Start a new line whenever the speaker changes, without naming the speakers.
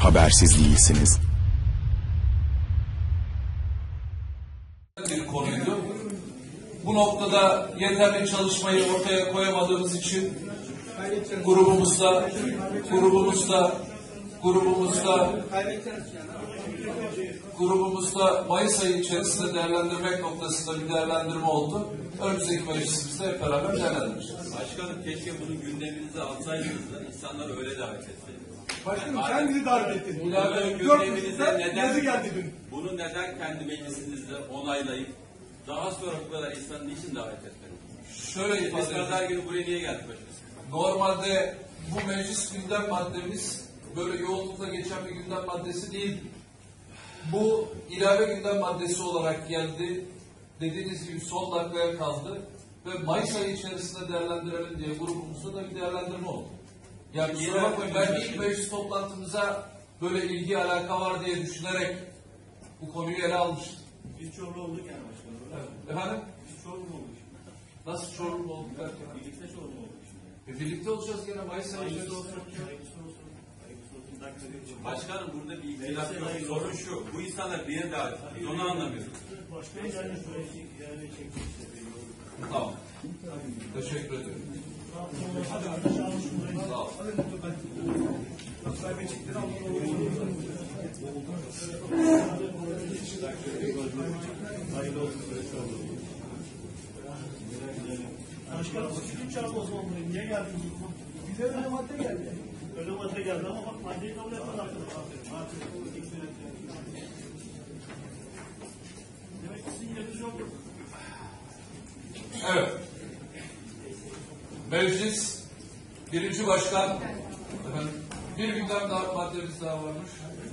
habersiz değilsiniz.
Bir konuydu. Bu noktada yeterli çalışmayı ortaya koyamadığımız için grubumuzda Mayıs ayı içerisinde değerlendirmek noktasında bir değerlendirme oldu. Önümüzdeki meclisimizde hep beraber değerlendireceğiz.
Başkanım keşke bunu gündeminize alsaydınız da insanları öyle davet etseydiniz.
Başkanım sen bizi davet ettin.
Bunları gündeminize bunu neden kendi meclisinizde onaylayıp daha sonra bu kadar insanın niçin davet etmediniz?
Şöyle ifade
Biz pazar günü buraya niye geldik başkanım?
Normalde bu meclis gündem maddemiz böyle yoğunlukla geçen bir gündem maddesi değil. Bu ilave gündem maddesi olarak geldi. Dediğiniz gibi son dakikaya kaldı ve Mayıs ayı içerisinde değerlendirelim diye grubumuzda da bir değerlendirme oldu. Yani kusura bakmayın, ben ilk meclis toplantımıza böyle ilgi alaka var diye düşünerek bu konuyu ele almıştım.
Biz Çorlu olduk yani başkanım.
Evet. Efendim?
Biz Çorlu olduk.
Nasıl Çorlu olduk derken?
Birlikte Çorlu olduk.
Birlikte olacağız gene Mayıs ayı içerisinde.
Başkanım burada bir ihtilaf yok. Sorun şu. Bu insanlar bir yere davet ediyor. Onu anlamıyorum.
Başkanım yani şöyle çektik.
Tamam. Teşekkür ederim. Sağ ol.
Başkanım sizin çağrı o zaman buraya. Niye geldiniz? Bize öyle madde geldi. Öyle madde geldi ama bak maddeyi kabul etmedi arkadaşlar. Demek ki sizin yeriniz yok.
Evet. Meclis birinci başkan efendim, bir gündem daha maddemiz daha varmış.